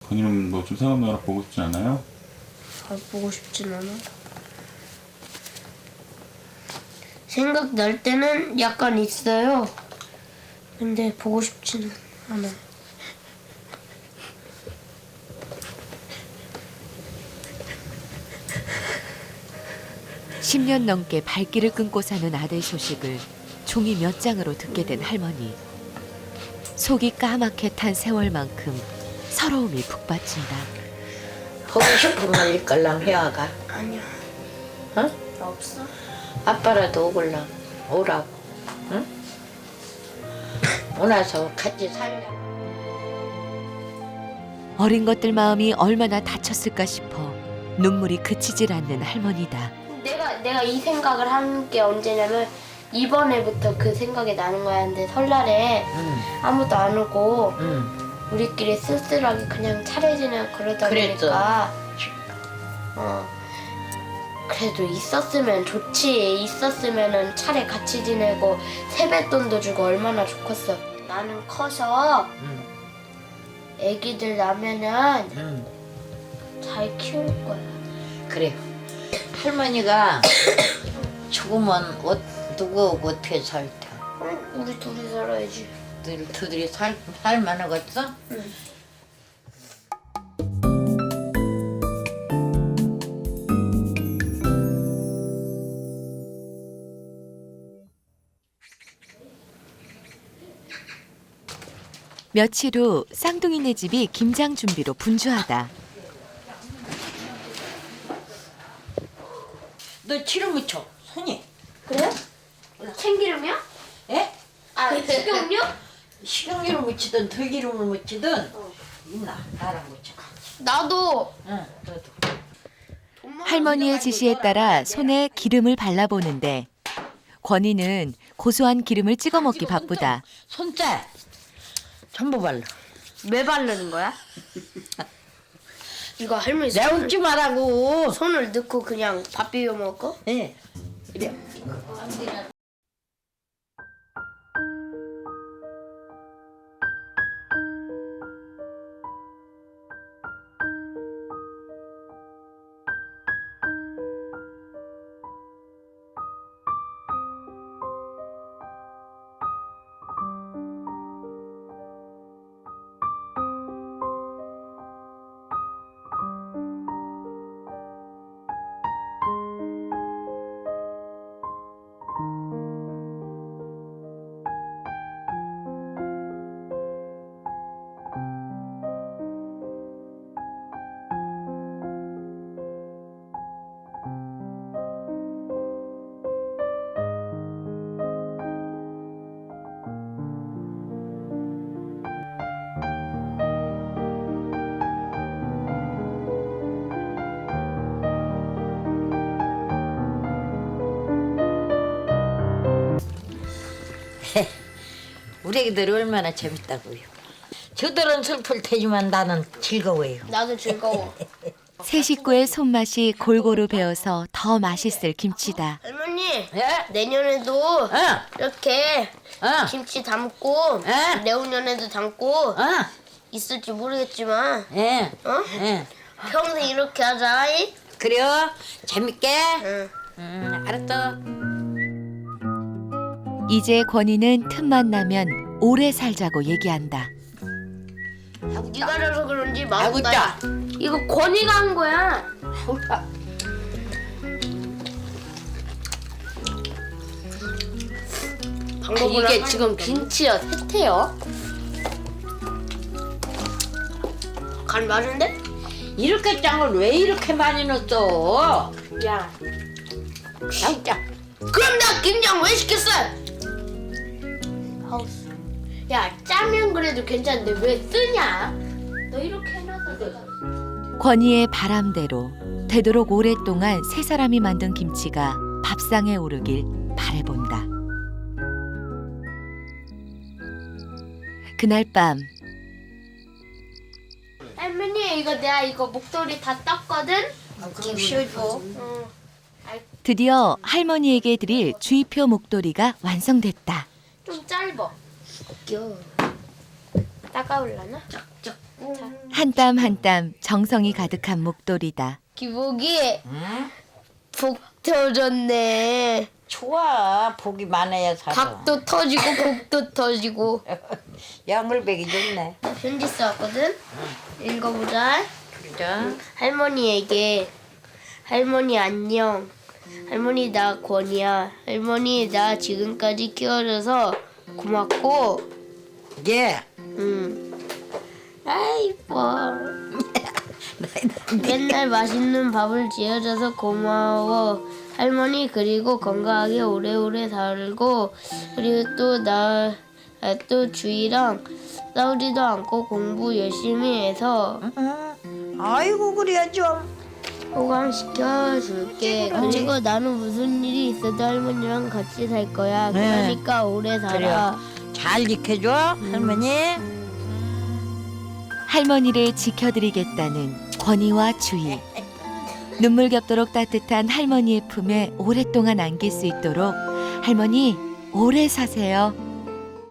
건이는 뭐 좀 생각나라 보고 싶지 않아요? 잘 보고 싶진 않아. 생각날 때는 약간 있어요. 근데 보고 싶지는 않아요. 십 년 넘게 발길을 끊고 사는 아들 소식을 종이 몇 장으로 듣게 된 할머니. 속이 까맣게 탄 세월만큼 서러움이 북받친다. 보고 싶은 말 일걸랑 해와가. 아니야. 어? 나 없어. 아빠라도 오걸랑 오라고. 응? 오나서 같이 살자. 어린 것들 마음이 얼마나 다쳤을까 싶어 눈물이 그치질 않는 할머니다. 내가 이 생각을 하는 게 언제냐면 이번에부터 그 생각이 나는 거야. 근데 설날에 아무도 안 오고 우리끼리 쓸쓸하게 그냥 차례 지내고 그러다 보니까 그래도 있었으면 좋지. 있었으면은 차례 같이 지내고 세뱃돈도 주고 얼마나 좋겠어. 나는 커서 애기들 나면은 잘 키울 거야. 그래. 할머니가 죽으면 누구하고 어떻게 살까? 우리 둘이 살아야지. 둘이 살만하겠어? 응. 며칠 후 쌍둥이네 집이 김장 준비로 분주하다. 너 기름 묻혀, 손이. 그래요? 참기름이야? 예? 아, 식용유? 식용유를 묻히든 들기름을 묻히든 있나? 나랑 묻혀. 나도. 응, 너도. 할머니의 지시에 따라 손에 기름을 발라보는데 권희는 고소한 기름을 찍어 먹기 바쁘다. 손째 전부 발라. 왜 바르는 거야? 이거 할머니 내 웃지 말라고. 손을 넣고 그냥 밥 비벼 먹어? 예. 이래. 우리 애기들이 얼마나 재밌다고요. 저들은 슬플 테지만 나는 즐거워요. 나도 즐거워. 세 식구의 손맛이 골고루 배어서 더 맛있을 김치다. 할머니, 예? 내년에도 이렇게 김치 담고 내후년에도 담고 있을지 모르겠지만 예. 어? 평생 이렇게 하자. 이? 그래요? 재밌게? 응. 알았어. 이제 권희는 틈만 나면 오래 살자고 얘기한다. 네가 져서 그런지 아이고, 맛있다. 이거 권이가 한 거야. 이게 지금 김치야 세태요. 간 맞은데? 이렇게 짱을 왜 이렇게 많이 넣었어? 야, 진짜. 그럼 나 김장 왜 시켰어? 하우스. 야, 짜면 그래도 괜찮은데 왜 쓰냐? 너 이렇게 해놔서 내가. 권희의 바람대로 되도록 오랫동안 세 사람이 만든 김치가 밥상에 오르길 바라본다. 그날 밤 할머니 이거 내가 이거 목도리 다 떴거든? 좀 쉬어줘. 응. 드디어 할머니에게 드릴 주의표 목도리가 완성됐다. 좀 짧아. 껴. 따가울라나? 쩍쩍. 한 땀 한 땀 정성이 가득한 목도리다. 기복이 응? 복 터졌네. 좋아. 복이 많아야 살아. 각도 터지고 복도 터지고. 양물백이 좋네. 나 편지 써왔거든. 읽어보자. 자. 할머니에게 할머니 안녕. 할머니 나 권이야. 할머니 나 지금까지 키워줘서 고맙고. 예. 아 이뻐. 맨날 맛있는 밥을 지어줘서 고마워. 할머니 그리고 건강하게 오래오래 살고 그리고 또 주희랑 싸우지도 않고 공부 열심히 해서 아이고 그래야죠. 호강시켜줄게. 그리고 나는 무슨 일이 있어도 할머니랑 같이 살 거야. 그러니까 오래 살아. 그래요. 잘 지켜줘 할머니. 할머니를 지켜드리겠다는 권위와 주의. 눈물겹도록 따뜻한 할머니의 품에 오랫동안 안길 수 있도록 할머니 오래 사세요.